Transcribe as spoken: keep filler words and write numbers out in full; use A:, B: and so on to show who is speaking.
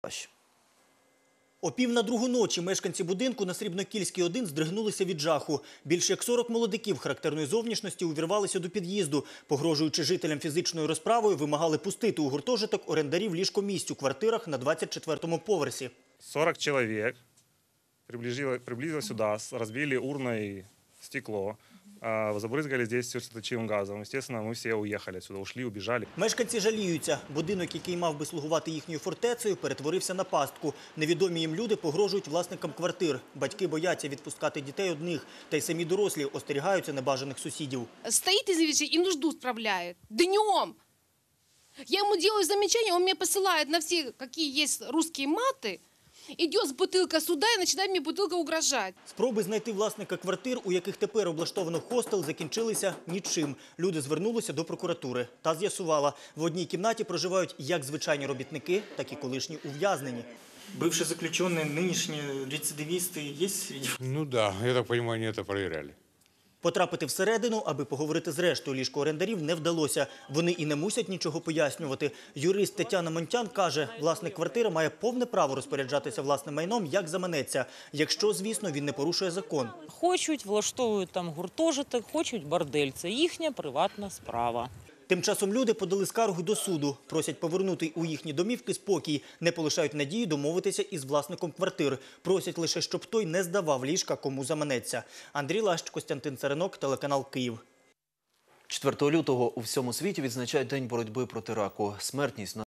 A: О пів на другу ночі мешканці будинку на Срібнокільській, один здригнулися від жаху. Більше як сорок молодиків характерної зовнішності увірвалися до під'їзду. Погрожуючи жителям фізичною розправою, вимагали пустити у гуртожиток орендарів ліжкомісць у квартирах на двадцять четвертому поверсі.
B: сорок человек приблизилось сюда, разбили урной стекло, забрызгали здесь слезоточивым газом. Естественно, мы все уехали отсюда, ушли, убежали.
A: Мешканці жаліються. Будинок, який мав би слугувати їхньою фортецею, перетворився на пастку. Невідомі їм люди погрожують власникам квартир. Батьки бояться відпускати дітей одних. Та й самі дорослі остерігаються небажаних сусідів.
C: Стоит, извините, и нужду справляет. Днем. Я ему делаю замечания, он мне посылает на все, какие есть русские маты. Идет с бутылка сюда и начинает мне бутылка угрожать.
A: Спроби знайти власника квартир, у яких тепер облаштовано хостел, закінчилися нічим. Люди звернулися до прокуратури. Та з'ясувала, в одній кімнаті проживають як звичайні робітники, так і колишні ув'язнені.
D: Бывшие заключенные, нынешние рецидивисты есть среди?
E: Ну да, я так понимаю, они это проверяли.
A: Потрапити всередину, аби поговорити з рештою ліжкоорендарів, не вдалося. Вони і не мусять нічого пояснювати. Юрист Тетяна Монтян каже, власник квартири має повне право розпоряджатися власним майном, як заманеться. Якщо, звісно, він не порушує закон.
F: Хочуть, влаштовують там гуртожиток, хочуть бордель. Це їхня приватна справа.
A: Тим часом люди подали скаргу до суду. Просять повернути у їхні домівки спокій. Не полишають надії домовитися із власником квартир. Просять лише, щоб той не здавав ліжка, кому заманеться. Андрій Лащ, Костянтин Царинок, телеканал Київ.
G: четвертого лютого у всьому світі відзначають День боротьби проти раку. Смертність на